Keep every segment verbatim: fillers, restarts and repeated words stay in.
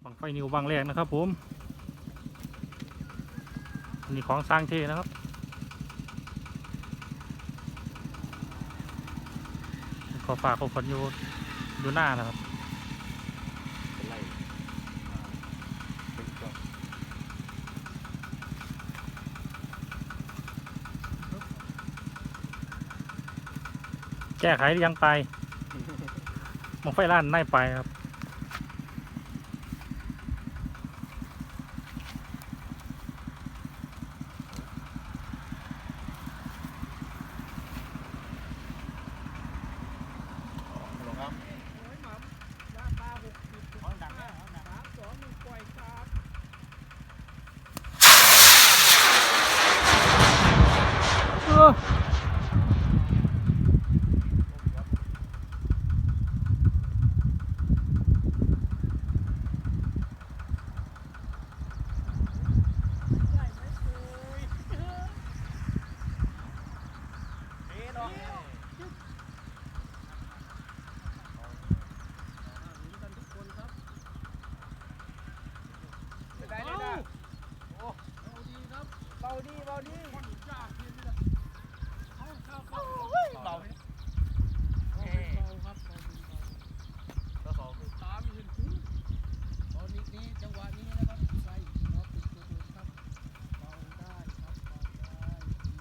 บังไฟนิวบางแรกนะครับผมนี่ของสร้างเทนะครับขอฝากขอฝนอยู่อยู่หน้านะครับแก้ไขยังไปบังไฟล้านไม่ไปครับเบาดีเบาดีเบาเบาครับก็สองตามเห็นคุ้มตอนนี้นี้จังหวะนี้นะครับใส่น็อตติดตัวเดิมครับเบาได้ครับเบาได้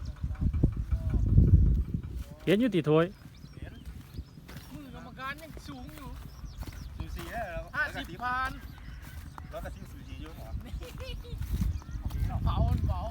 เห็นอยู่ติถวยมือกรรมการยังสูงอยู่สูสีได้แล้วห้าสิบพันแล้วก็ซิ่งสูสีเยอะหรอเบาเบา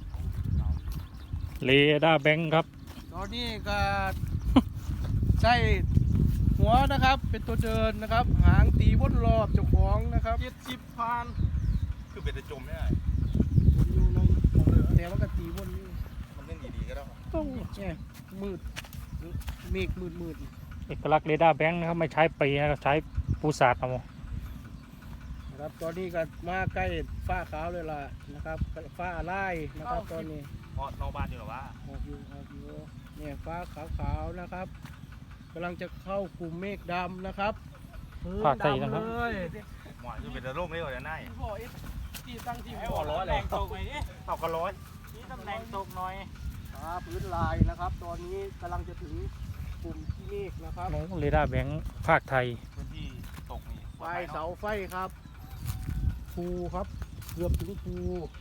เรดาร์แบงค์ครับตอนนี้ก็ใส่หัวนะครับเป็นตัวเดินนะครับหางตีวนรอบเจ้าของนะครับเจ็ดสิบพันคือเป็นจะจมไม่ได้วนอยู่ในแต่ว่าก็ตีวนนี่มันเล่นดีๆก็ได้ต้องแง่มืดเมฆมืดมืดเอกลักษณ์เรดาร์แบงค์นะครับไม่ใช้ปีนะครับใช้ปูศาสตร์เอานะครับตอนนี้ก็มาใกล้ฟ้าขาวเลยล่ะนะครับฟ้าไล่นะครับตอนนี้พอนอกบ้านอยู่หรอวะออกอยู่ออกอยู่เนี่ยฟ้าขาวๆนะครับกำลังจะเข้ากลุ่มเมฆดำนะครับภาคใต้นะครับหมอนจะเป็นโรคนี้ก่อนจะได้ที่ตั้งที่หัวร้อยเลยตกไปนี่ตกกันร้อยนี่ตำแหน่งตกหน่อยครับพื้นลายนะครับตอนนี้กำลังจะถึงกลุ่มที่เมฆนะครับเรดาร์แบงค์ภาคไทยพื้นที่ตกนี่ไฟเสาไฟครับภูครับเกือบถึงภู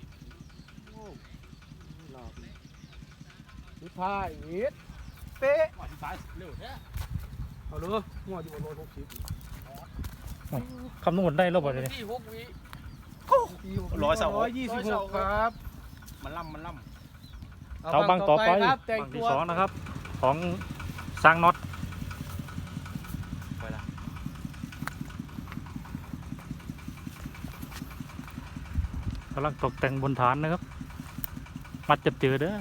สุดท้ายอีกเป๊ะหัวที่ซ้ายเร็วแท้เอาเลยหัวอยู่บนรถหกสิบคำนวณได้รอบอะไรที่หกวิร้อยเสาร้อยยี่สิบหกครับมันล่ำมันล่ำเสาบังต่อไปบังที่สองนะครับของสร้างน็อตกำลังตกแต่งบนฐานนะครับมัดจับเจอเด้อ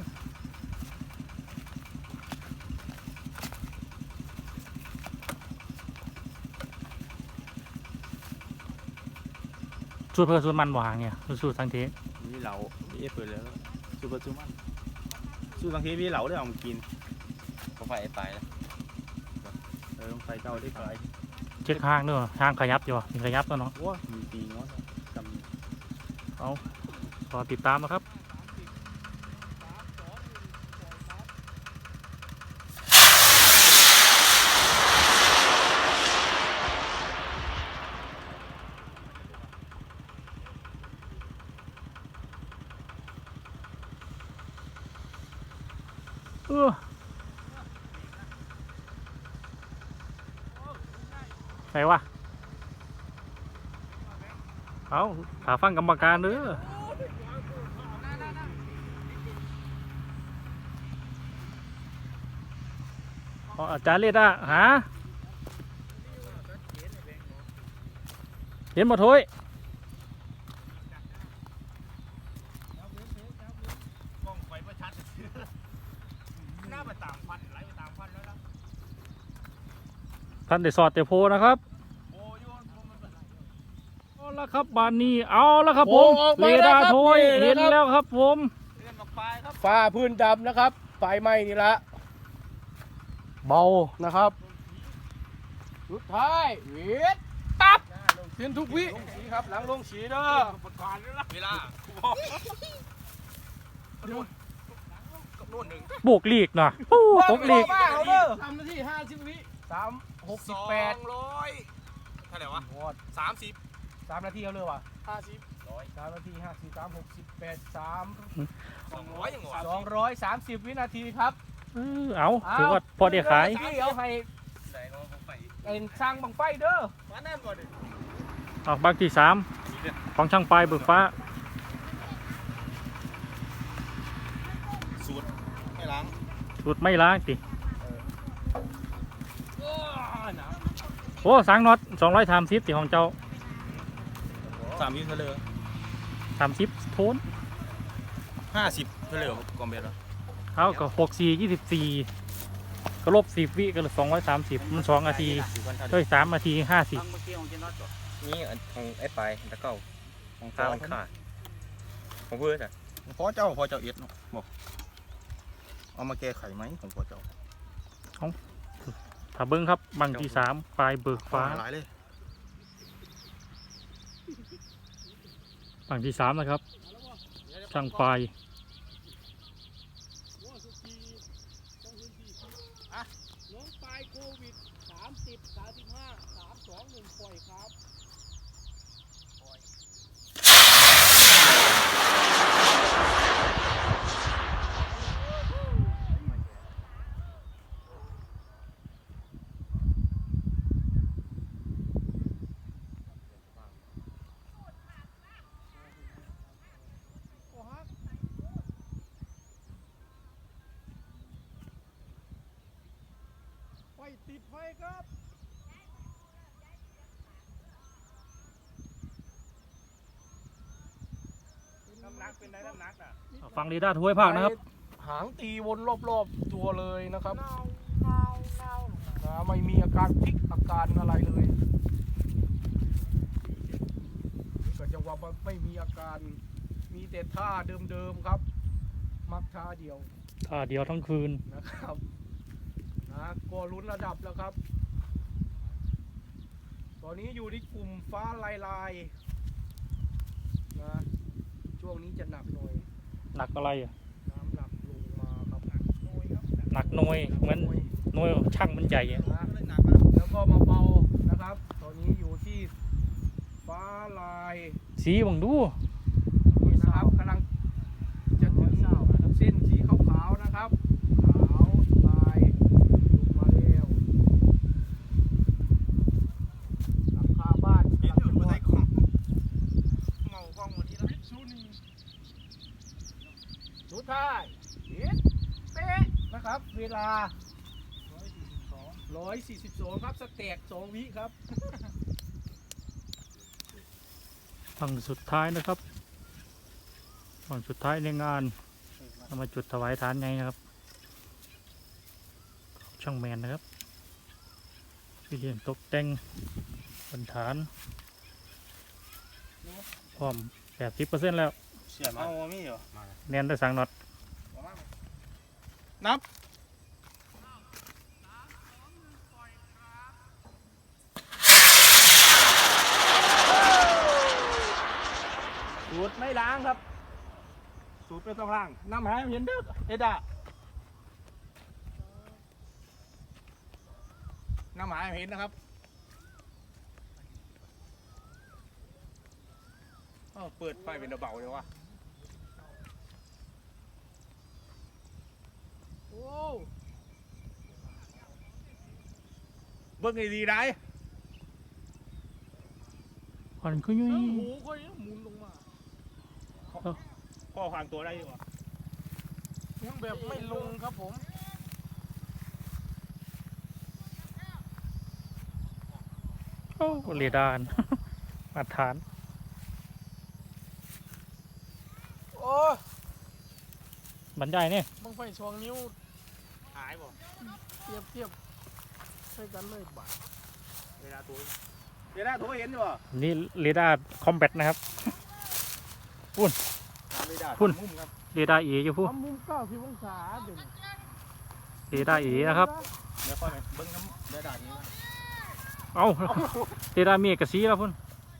สูตรเพื่อสูตรมันหวานเนี่ยสูตรทั้งทีมีเหลามีเอฟเปิดแล้วสูตรเพื่อสูตรมันสูตรทั้งทีมีเหลาได้เอามากินก็ไฟไปแล้วเออไฟเก่าได้ไฟเช็คห้างด้วยห้างขยับอยู่มีขยับตัวเนาะว้ามีปีงอจำเอารอติดตามนะครับเออไหนวะเอาถาฟังกรรมการเด้ออาจารย์เรียกอ่ะหาเห็นหมดทุยท่านได้สอดเตะโพนะครับเอาละครับบานนี้เอาละครับผมเรดาร์โทยเห็นแล้วครับผมฟ้าพื้นดำนะครับไฟไหม้นี่ละเบานะครับสุดท้ายเวียดตับเห็นทุกวิลงสีครับหลังลงสีเด้อประกาศเลยละเวลาเดี๋ยวโบกลีกหน่อยโอ้ตกลีกสามนาทีห้าสิบวิสามหกสิบแปดร้อยเท่าไหร่วะวอดสามสิบสามนาทีเอาเลยว่ะห้าสิบร้อยสามนาทีห้าสิบสามหกสิบแปดสามสองร้อยยังหวะสองร้อยสามสิบวินาทีครับเออเอาถือว่าพอได้ขายพี่เอาให้ไหนก็ผมไปเป็นสร้างบังไฟเด้อมาแน่นก่อนดิออกบางที่สามของช่างปลายเบิกฟ้าสูตรไม่ล้างสุดไม่ล้างติโอ้หนาวโอ้สางน็อตสองร้อยสามสิบติของเจ้าสามยี่เทเลอสามสิบโทนห้าสิบเทเลอร์กอมเบลเอาก็หกสี่ยี่สิบสี่ก็ลบสิบวิก็เหลือสองร้อยสามสิบมันสองนาทีเฮ้ยสามนาทีห้าสิบนี่อันของไอ้ปลายตะเก้าของข้าวมันขาดของเพื่อนอ่ะพ่อเจ้าพ่อเจ้าเอ็ดเนาะบอกเอามาแก้ไขไหมของพ่อเจ้าถ้าเบิ้งครับบางที่สามปลายเบิกฟ้าหลายเลยบางที่สามนะครับช่างปลายน้องปลายโควิดสามสิบสามสิบห้าสามสองหนึ่งปล่อยครับ ไฟติดไฟครับน้ำหนักเป็นไงน้ำหนักอ่ะฟังเรดาร์ถ้วยภาคนะครับหางตีวนรอบๆตัวเลยนะครับนะไม่มีอาการพลิกอาการอะไรเลยก็จะว่าไม่มีอาการมีแต่ท่าเดิมๆครับ มักท่าเดียวท่าเดียวทั้งคืนนะครับนะก็ลุ้นระดับแล้วครับ ตอนนี้อยู่ที่กลุ่มฟ้าลายลายๆนะช่วงนี้จะหนักหน่อยหนักอะไรอะน้ำหนักลงมาครับหนักหน่อยครับหนักหน่วยเหมือนหน่วยช่างมันใหญ่อะนะแล้วก็มาเบานะครับ ตอนนี้อยู่ที่ฟ้าลายสีบังดูนี่นะครับกำลังจะถึงเส้นสีขาวๆนะครับขาวลายลงมาแล้วหลังคาบ้านเอ็ดกำลังอยู่จะใส่รั่วกล้องเมากล้องวันนี้แล้วสุดท้ายเอ็ดเป๊ะนะครับ เวลาร้อยสี่สิบสองครับสแต็กสองวิครับฝั่งสุดท้ายนะครับฝั่งสุดท้ายในงานเอามาจุดถวายฐานไงนะครับ ช่างแมนนะครับวิเรียนตกแต่งบนฐานพร้อมแปดสิบเปอร์เซ็นต์แล้วเสียมาเอาไม่เหรอแนนได้สั่งน็อตนับสูตรไม่ล้างครับ สูตรไม่ต้องล้างน้ำหายเห็นเด้อเอ็ดอะน้ำหายเห็นนะครับเอ้าเปิดไฟเป็นเบาเลยวะโอ้เบิ่งให้ดีได้ควันก็ยุ่ยหูก็ยังหมุนลงมาพ่อพางตัวได้ดีกว่ายังแบบไม่ลงครับผมโอ้เรดาร์ มาตรฐานโอ้บรรยายเนี่ยบังไฟสองนิ้วหายบ่เทียบเทียบใช้กันเลยบาทเวลาตัวเวลาตัวเห็นอยู่บ่นี่เรดาร์คอมแบทนะครับตามเวลาพุ่นมุมครับเรดาร์เออยู่พูทำมุมเก้าสิบองศาเดี๋ยวเรดาร์เอนะครับเดี๋ยวค่อยไปเบิ้งน้ำเวลานี้ว่าเอาเรดาร์เมกกะซีแล้วพุ่น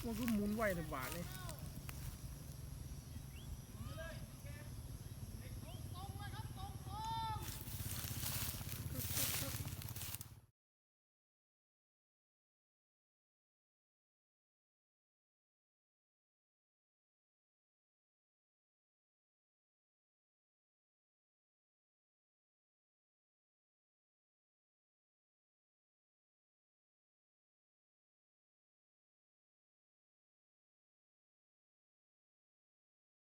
มันก็หมุนไหวในบาทเลย